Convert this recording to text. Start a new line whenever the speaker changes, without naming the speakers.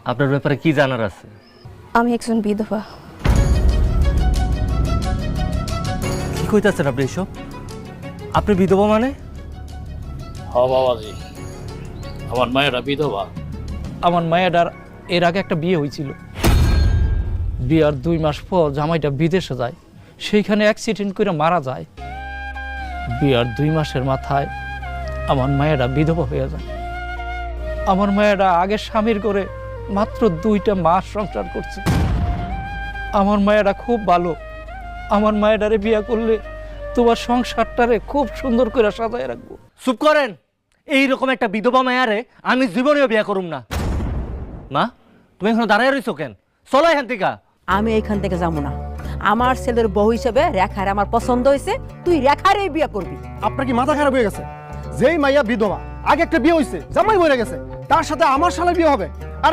আপনার ব্যাপারে কি জানার আছে?
আমি একজন বিধবা।
কি কইতাছেন আপনি এসব? আপনি বিধবা মানে?
হ বাবাজি, আমার মায়েরা বিধবা।
আমার মায়েরার এর আগে একটা বিয়ে হয়েছিল। বিয়ার 2 মাস পর জামাইটা বিদেশে যায়, সেইখানে অ্যাক্সিডেন্ট করে মারা যায়। বিয়ার 2 মাসের মাথায় আমার মায়েরা বিধবা হয়ে যায়। আমার মায়েরা আগে স্বামীর করে মাত্র 2টা মাস সংসার করছে। আমার মায়েরা খুব ভালো। আমার মায়েরারে বিয়ে করলে তোমার সংসারটারে খুব সুন্দর করে সাজায় রাখবো।
চুপ করেন। এইরকম একটা বিধবা মায়ারে আমি জীবনেও বিয়ে করুম না। মা, তুমি এখনো দাঁড়ায় রইছো কেন? চলো এখান থেকে।
আমি এইখান থেকে যাবো না। আমার ছেলের বউ হিসেবে রেখার আমার পছন্দ হয়েছে, তুই রেখারই বিয়ে করবি।
আপনার কি মাথা খারাপ হয়ে গেছে? যেই মাইয়া বিধবা, আগে একটা বিয়ে হয়েছে, জামাই মরে গেছে, তার সাথে আমার শালার বিয়ে হবে?